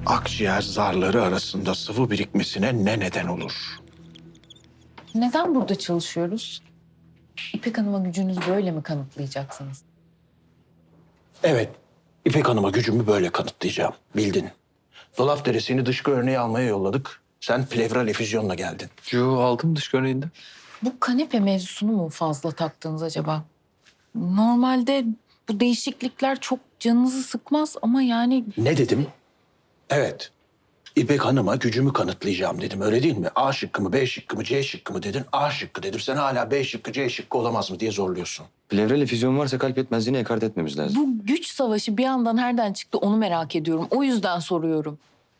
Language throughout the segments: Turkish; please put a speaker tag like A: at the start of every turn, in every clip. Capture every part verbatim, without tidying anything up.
A: akciğer zarları arasında sıvı birikmesine ne neden olur?
B: Neden burada çalışıyoruz? İpek Hanım'a gücünüzü böyle mi kanıtlayacaksınız?
A: Evet, İpek Hanım'a gücümü böyle kanıtlayacağım. Bildin. Dolap deresini dışkı örneği almaya yolladık. Sen plevral efüzyonla geldin.
C: Yo, aldım dış görüneyinde.
B: Bu kanepe mevzusunu mu fazla taktınız acaba? Normalde bu değişiklikler çok canınızı sıkmaz ama yani...
A: Ne dedim? Evet. İpek Hanım'a gücümü kanıtlayacağım dedim. Öyle değil mi? A şıkkı mı, B şıkkı mı, C şıkkı mı dedin? A şıkkı dedim. Sen hala B şıkkı, C şıkkı olamaz mı diye zorluyorsun.
C: Plevral efüzyon varsa kalp yetmezliğini ekart etmemiz lazım.
B: Bu güç savaşı bir yandan nereden çıktı onu merak ediyorum. O yüzden soruyorum.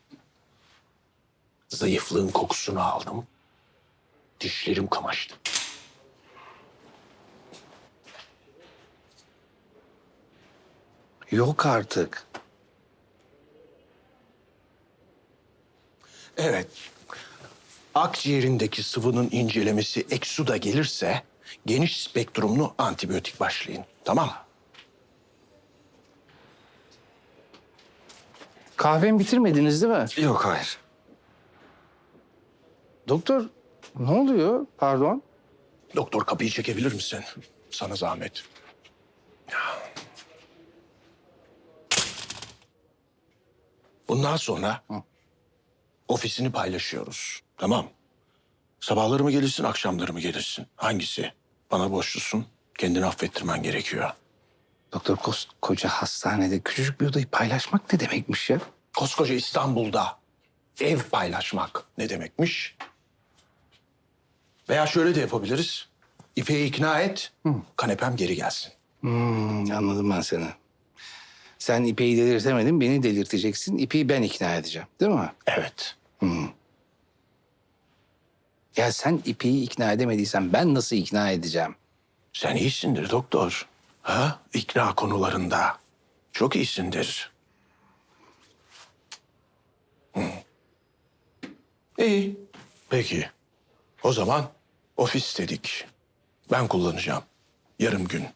A: Zayıflığın kokusunu aldım. Dişlerim kamaştı.
D: Yok artık.
A: Evet. Akciğerindeki sıvının incelemesi eksuda gelirse geniş spektrumlu antibiyotik başlayın. Tamam mı?
D: Kahvemi bitirmediniz değil mi?
C: Yok, hayır.
D: Doktor ne oluyor? Pardon.
A: Doktor kapıyı çekebilir misin? Sana zahmet. Bundan sonra ofisini paylaşıyoruz. Tamam. Sabahları mı gelirsin, akşamları mı gelirsin? Hangisi? Bana borçlusun. Kendini affettirmen gerekiyor.
D: Doktor koskoca hastanede küçücük bir odayı paylaşmak ne demekmiş ya?
A: Koskoca İstanbul'da ev paylaşmak ne demekmiş? Veya şöyle de yapabiliriz. İpek'i ikna et, kanepem geri gelsin.
D: Hmm, anladım ben seni. Sen İpek'i delirtemedin, beni delirteceksin. İpek'i ben ikna edeceğim, değil mi?
A: Evet.
D: Ya sen İpek'i ikna edemediysen ben nasıl ikna edeceğim?
A: Sen iyisindir doktor. Ha? İkna konularında. Çok iyisindir. Hı. İyi. Peki. O zaman ofis dedik. Ben kullanacağım. Yarım gün.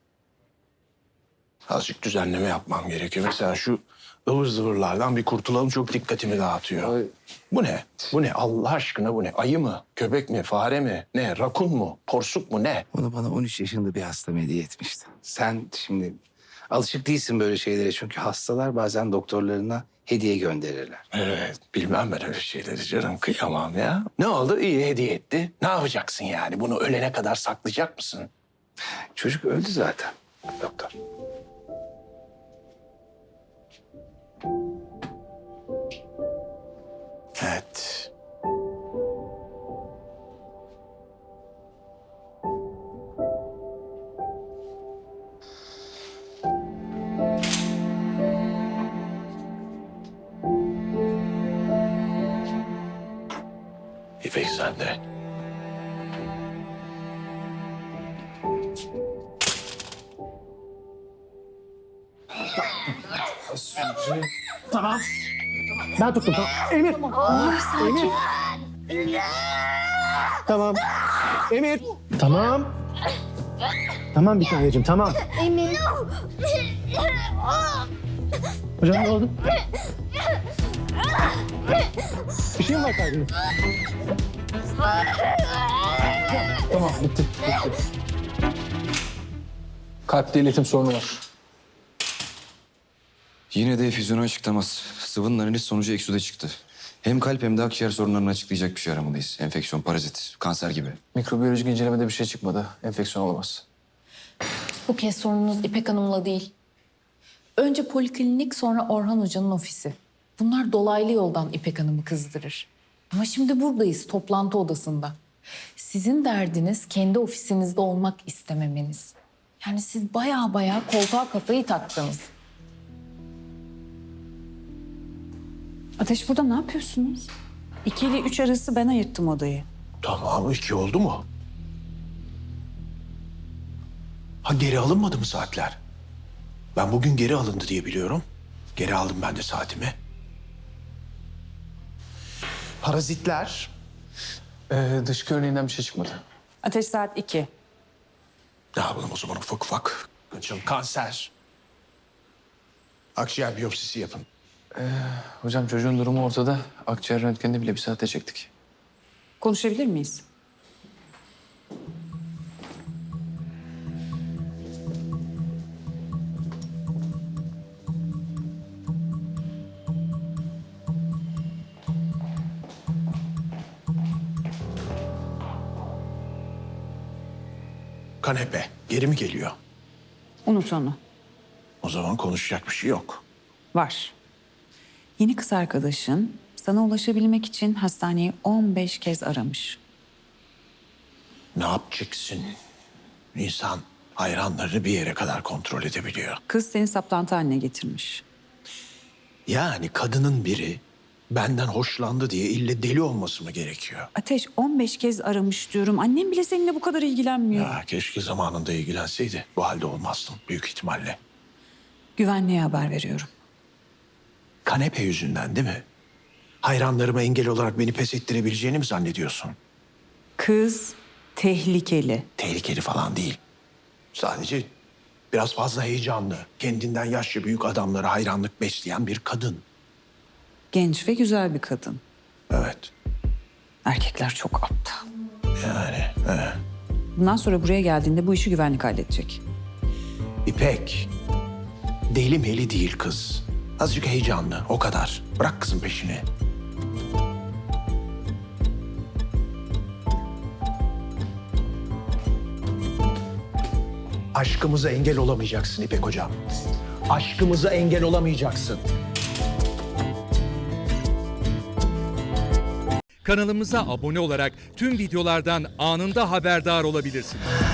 A: Azıcık düzenleme yapmam gerekiyor. Mesela şu ıvır zıvırlardan bir kurtulalım, çok dikkatimi dağıtıyor.
D: Ay.
A: Bu ne? Bu ne? Allah aşkına bu ne? Ayı mı? Köpek mi? Fare mi? Ne? Rakun mu? Porsuk mu? Ne?
D: Onu bana on üç yaşında bir hasta hediye etmişti. Sen şimdi alışık değilsin böyle şeylere çünkü hastalar bazen doktorlarına hediye gönderirler.
A: Evet, bilmem ben öyle şeyleri canım. Kıyamam ya. Ne oldu? İyi hediye etti. Ne yapacaksın yani? Bunu ölene kadar saklayacak mısın?
D: Çocuk öldü zaten doktor.
A: Evet. İpek sende.
E: Ben tuttum. Tamam. Emir. Emir. Tamam. Emir. Tamam. Tamam bir taneciğim tamam.
F: Emir.
E: Hocam ne oldu? Bir şey mi var kalbinde? Tamam bitti. bitti. Kalpte iletim sorunu var.
C: Yine de efüzyonu açıklamaz. Sıvının analiz sonucu eksuda çıktı. Hem kalp hem de akciğer sorunlarını açıklayacak bir şey aramalıyız. Enfeksiyon, parazit, kanser gibi.
E: Mikrobiyolojik incelemede bir şey çıkmadı. Enfeksiyon olamaz.
B: Bu kez sorununuz İpek Hanım'la değil. Önce poliklinik sonra Orhan Hoca'nın ofisi. Bunlar dolaylı yoldan İpek Hanım'ı kızdırır. Ama şimdi buradayız toplantı odasında. Sizin derdiniz kendi ofisinizde olmak istememeniz. Yani siz baya baya koltuğa kafayı taktınız.
G: Ateş burada ne yapıyorsunuz? İki ile üç arası ben ayırttım odayı.
A: Tamam, iki oldu mu? Ha geri alınmadı mı saatler? Ben bugün geri alındı diye biliyorum. Geri aldım ben de saatimi. Parazitler.
E: Ee, dış örneğinden bir şey çıkmadı.
G: Ateş saat iki.
A: Ne yapalım o zaman ufak ufak? Kaçalım. Kanser. Akciğer biyopsisi yapın.
C: Hocam çocuğun durumu ortada. Akciğer röntgenini bile bir saate çektik.
G: Konuşabilir miyiz?
A: Kanepe geri mi geliyor?
G: Unut onu.
A: O zaman konuşacak bir şey yok.
G: Var. Yeni kız arkadaşın sana ulaşabilmek için hastaneyi on beş kez aramış.
A: Ne yapacaksın? İnsan hayranlarını bir yere kadar kontrol edebiliyor.
G: Kız seni saplantı haline getirmiş.
A: Yani kadının biri benden hoşlandı diye ille deli olması mı gerekiyor?
G: Ateş on beş kez aramış diyorum. Annem bile seninle bu kadar ilgilenmiyor.
A: Ya keşke zamanında ilgilenseydi. Bu halde olmazdım büyük ihtimalle.
G: Güvenliğe haber veriyorum.
A: Kanepe yüzünden değil mi? Hayranlarıma engel olarak beni pes ettirebileceğini mi zannediyorsun?
G: Kız tehlikeli.
A: Tehlikeli falan değil. Sadece biraz fazla heyecanlı. Kendinden yaşça büyük adamlara hayranlık besleyen bir kadın.
G: Genç ve güzel bir kadın.
A: Evet.
G: Erkekler çok aptal.
A: Yani he.
G: Bundan sonra buraya geldiğinde bu işi güvenlik halledecek.
A: İpek. Deli meli değil kız. Azıcık heyecanlı o kadar. Bırak kızın peşini. Aşkımıza engel olamayacaksın İpek hocam. Aşkımıza engel olamayacaksın.
F: Kanalımıza abone olarak tüm videolardan anında haberdar olabilirsiniz.